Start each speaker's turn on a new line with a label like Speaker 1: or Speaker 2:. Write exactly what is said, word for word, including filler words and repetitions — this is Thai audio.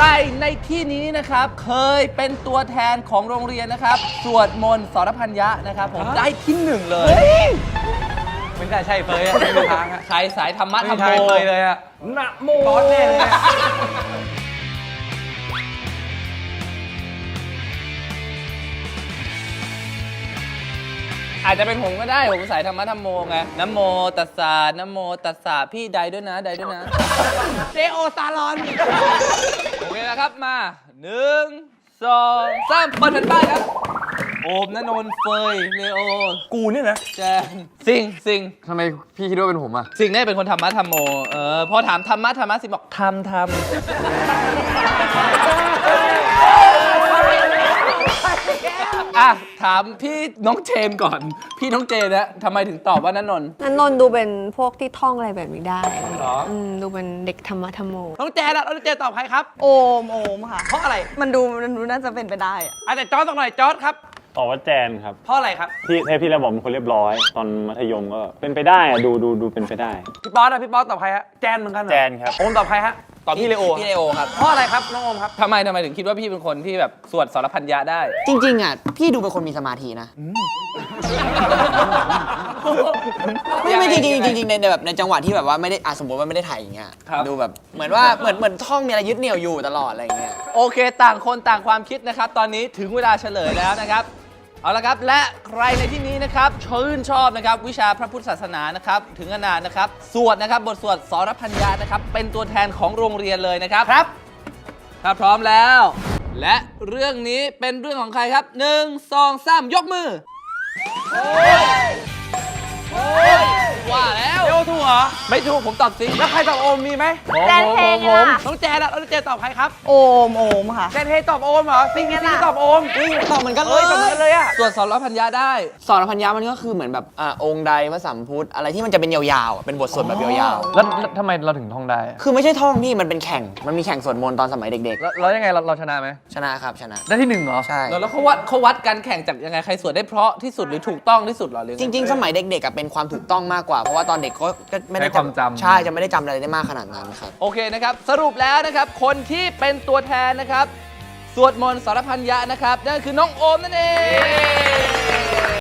Speaker 1: รในที่นี้นะครับเคยเป็นตัวแทนของโรงเรียนนะครับสวดมนต์สรพัญญะนะครับผมได้ที่หนึ่งเลย
Speaker 2: ไม่ได้ใช่เฟยอะไม่มีทางอะ
Speaker 1: ใครสายธรรมะธรรมโม
Speaker 2: เฟยเลยอะนะโมบอสแน่เลย
Speaker 1: อาจจะเป็นผมก็ได้ผมสายธรรมะธรรมโมไงนะโมตัสสะนะโมตัสสะพี่ใดด้วยนะใดด้วยนะเจโอซาลอนโอเคนะครับมาหนึ่งสองสามเปิดแผ่นป้ายครับโอมณนนท์เฟยเลโอ
Speaker 2: กูเนี่ยนะ
Speaker 1: แจนสิงสิง
Speaker 3: ทำไมพี่คิดว่าเป็นผมอ่ะ
Speaker 1: สิงเนี่ยเป็นคนธรรมะธรรมโมเออพอถามธรรมะธรรมะสิงบอกทำทำอ่ะถามพี่น้องเจนก่อนพี่น้องเจนนะทำไมถึงตอบว่าณนนท์
Speaker 4: ณนนท์ดูเป็นพวกที่ท่องอะไรแบบนี้ได้
Speaker 1: หรอ
Speaker 4: อืมดูเป็นเด็กธรรมะธรรมโม
Speaker 1: น้องเจนอะน้องเจนตอบใครครับ
Speaker 5: โอมโอมค่ะ
Speaker 1: เพราะอะไร
Speaker 5: มันดูมันดูน่าจะเป็นไปได้อะ
Speaker 1: อ่ะแต่จอร์จสักหน่อยจอร์จครับ
Speaker 6: ตอบว่าแจนครับ
Speaker 1: เพราะอะไรครับ
Speaker 6: พี่เทพพี่ระบอกเป็นคนเรียบร้อย ตอนมัธยมก็เป็นไปได้อะดูดูดูเป็นไปได้
Speaker 1: พี่ป๊อตอะพี่ป๊อตตอบใครฮะแจนเหมือนกันเหรอ
Speaker 6: แจนครับ
Speaker 1: โอมตอบใครฮะตอบพี่เลโอ
Speaker 3: พี่เลโอครับ
Speaker 1: เพราะอะไรครับน้องโอมครับทำไมทำไมถึงคิดว่าพี่เป็นคนที่แบบสวดสรพัญญะได้
Speaker 3: จริงๆอ่ะพี่ดูเป็นคนมีสมาธินะไม่ไม่จริงจริงจริงในแบบในจังหวะที่แบบว่าไม่ได้อ่ะสมมติว่าไม่ได้ถ่ายอย่างเงี้ยดูแบบเหมือนว่าเหมือนเหมือนท่องมีอะไรยึดเหนี่ยวอยู่ตลอดอะไรเงี้ย
Speaker 1: โอเคต่างคนต่างความคิดนะครับตอนนี้ถึงเวลาเฉลยแล้วนะครับเอาละครับและใครในที่นี้นะครับชื่นชอบนะครับวิชาพระพุทธศาสนานะครับถึงขนาดนะครับสวดนะครับบทสวดสรพัญญะนะครับเป็นตัวแทนของโรงเรียนเลยนะครับครับถ้าพร้อมแล้วและเรื่องนี้เป็นเรื่องของใครครับหนึ่งสองสามยกมือโอ้ยโอ้ยว่าแล้ว
Speaker 2: เดี๋ยวถูกเหรอ
Speaker 1: ไม่ถูกผมตอบสิ
Speaker 2: แล้วใครตอบโอมมีไหม
Speaker 5: แจนเฮง
Speaker 1: ผม
Speaker 5: อะ
Speaker 1: น้องแจนอะน้องแจนตอบใครครับ
Speaker 5: โอมโอมค่ะ
Speaker 2: แจนเฮตอบโอมเหรอซิงซิงตอบโอม
Speaker 3: นี่ตอบเหมือนกันเล
Speaker 2: เอ้ย
Speaker 3: ย
Speaker 2: ตอบเหมือนกันเลยอะ
Speaker 1: สวดสรพัญญะได้
Speaker 3: สรพัญญะมันก็คือเหมือนแบบอ่าองค์ใดพระสัมพุทธอะไรที่มันจะเป็นยาวๆเป็นบทสวดแบบยาวๆ
Speaker 7: แล้วทำไมเราถึงท่องได้
Speaker 3: คือไม่ใช่ท่องพี่มันเป็นแข่งมันมีแข่งสวดมนต์ตอนสมัยเด็ก
Speaker 7: แล้วแล้วยังไงเราเราชนะไหม
Speaker 3: ๆชนะครับชนะ
Speaker 7: ได้ที่หนึ่งเหรอ
Speaker 3: ใช่
Speaker 1: แล้วเขาวัดเขาวัดการแข่งจากยังไงใครสวดได้เพราะที่สุดหรือถูกต้องที่สุดหรอหรือ
Speaker 3: จริงๆ สมัยเด็กๆเป็นความถูกต้องมากกว่าเพราะว่าตอนเด็กก็ไม่ได้จำใช่จะไม่ได้จำอะไรได้มากขนาดนั้นครับ
Speaker 1: โอเคนะครับสรุปแล้วนะครับคนที่เป็นตัวแทนนะครับสวดมนต์สรพัญญะนะครับนั่นคือน้องโอมนั่นเอง